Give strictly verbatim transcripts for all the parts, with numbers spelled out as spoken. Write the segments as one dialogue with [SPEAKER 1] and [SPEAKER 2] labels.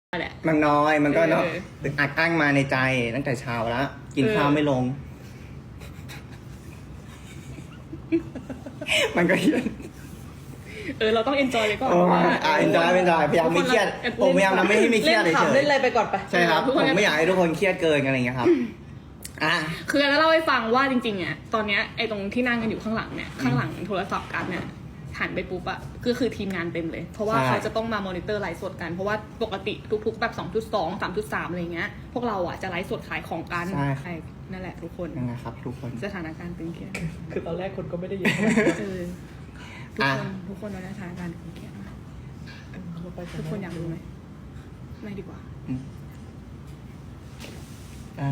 [SPEAKER 1] แหละ
[SPEAKER 2] มันน้อยมันก็เนาะ
[SPEAKER 1] เออ
[SPEAKER 2] ตึกอัดอั้งมาในใจตั้งแต่เช้าแล้วกิน
[SPEAKER 1] เออ
[SPEAKER 2] ข้าวไม่ลง มันก็เครียด
[SPEAKER 1] เออเราต้องเอนจอยเลยก่อน
[SPEAKER 2] โอ้
[SPEAKER 1] ว่า
[SPEAKER 2] อ่าเอนจอยเอนจอยพยายามไม่เครียดผมพยายามทำให้ไม่เครียด
[SPEAKER 3] เล่น
[SPEAKER 2] เฉ
[SPEAKER 3] ขำเล่น
[SPEAKER 2] ย
[SPEAKER 3] อะไรไปก่อนไป
[SPEAKER 2] ๆใช่ครับผมไม่อยากให้ทุกคนเครียดเกินอะไรอย่างเงี้ยครับอ่ะ
[SPEAKER 1] คือจะเล่าให้ฟังว่าจริงๆอ่ะตอนเนี้ยไอ้ตรงที่นั่งกันอยู่ข้างหลังเนี่ยข้างหลังโทรศัพท์กันเนี่ยหันไปปุ๊บอะก็คือทีมงานเต็มเลย เพราะว่าเขาจะต้องมามอนิเตอร์ไลฟ์สดกันเพราะว่าปกติทุกๆแบบ สองจุดสอง สามจุดสาม อะไรเงี้ยพวกเราอ่ะจะไลฟ์สดขายของกันใช่นั่นแหละทุกคน
[SPEAKER 2] ยังไงครับทุกคน
[SPEAKER 1] สถานการณ์ตึงเครียด
[SPEAKER 3] คือตอนแรกคนก็ไม่ได้เยอะ
[SPEAKER 1] เออทุกคนทุกคนตอนนี้สถานการณ์ตึงเครียดมากทุกคนอยากรู้ไหมไม่ดีกว่า
[SPEAKER 2] อืมอ่ะ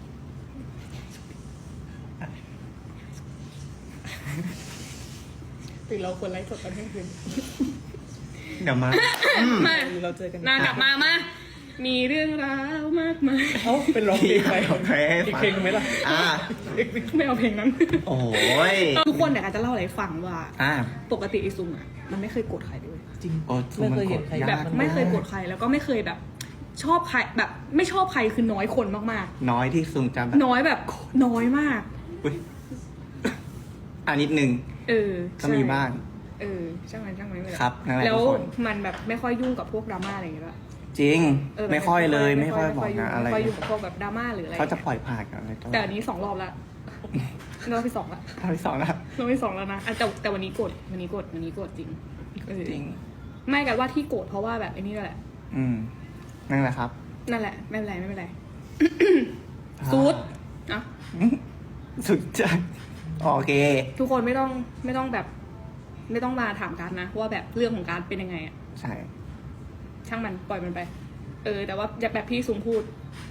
[SPEAKER 1] หรือเราควรไลฟ์สดตอนเที่ยงคืน
[SPEAKER 2] เดี๋ยวมา
[SPEAKER 1] มา
[SPEAKER 3] เราเจอกัน
[SPEAKER 1] นากลับมามา มีเรื่องราวมากมาย
[SPEAKER 3] เอ้าเป็นร้องเพลงไป
[SPEAKER 2] โอเค
[SPEAKER 3] อีกเพลงไหมล่ะ
[SPEAKER 2] อ่า
[SPEAKER 1] ไม่เอาเพลงนั้น
[SPEAKER 2] โอ้ย
[SPEAKER 1] ทุกคนเดี๋ยวอาจจะเล่าอะไรให้ฟังว่า
[SPEAKER 2] อ่า
[SPEAKER 1] ปกติไอซุงอ่ะ มันไม่เคยโกรธใครเลย
[SPEAKER 3] จริง
[SPEAKER 2] โอ้
[SPEAKER 3] ไม่เคยเห็นใคร
[SPEAKER 2] ยาก
[SPEAKER 1] แบบไม่เคยโกรธใครแล้วก็ไม่เคยแบบ ชอบใครแบบ ไม่ชอบใครคือน้อยคนมาก
[SPEAKER 2] น้อยที่ซุงจำแบบ
[SPEAKER 1] ๆ น้อยแบบน้อยมาก
[SPEAKER 2] อุ๊ยอ่านิดนึง
[SPEAKER 1] เออ
[SPEAKER 2] ก็มีบ้าง
[SPEAKER 1] เออช่างมันช่างมันไม่เป็นไร
[SPEAKER 2] ครับนั่นแหละ
[SPEAKER 1] แล้ว
[SPEAKER 2] ทุกคน
[SPEAKER 1] มันแบบไม่ค่อยยุ่งกับพวกดราม่าอะไรอย่างเงี้ยด้วย
[SPEAKER 2] จริง
[SPEAKER 1] เออ
[SPEAKER 2] ไม่ค่อยเลย ไม่ค่อยบอกนะอะไร
[SPEAKER 1] ไม่ค่อยยุ่งกับพวกแบบดราม่าหรืออะไร
[SPEAKER 2] เขาจะปล่อยผ่านกันอะไรตัว
[SPEAKER 1] แต่อันนี้สองรอบละรอบที่สองละ
[SPEAKER 2] รอบที่สองแล้ว
[SPEAKER 1] รอบที่สองแล้วนะอ่ะแต่แต่วันนี้โกรธวันนี้โกรธวันนี้โกรธจริงเออ
[SPEAKER 2] จริง
[SPEAKER 1] ไม่กันว่าที่โกรธเพราะว่าแบบไอ้นี่แหละ
[SPEAKER 2] อืมนั่นแหละครับ
[SPEAKER 1] นั่นแหละไม่เป็นไรไม่เป็นไร ซูดอ่ะ
[SPEAKER 2] สุดจัดโอเค
[SPEAKER 1] ทุกคนไม่ต้องไม่ต้องแบบ ไม่ต้องมาถามกันนะว่าแบบเรื่องของการเป็นยังไงอะ
[SPEAKER 2] ใช่
[SPEAKER 1] ช่างมันปล่อยมันไป เออ แต่ว่าแบบพี่ซุงพูด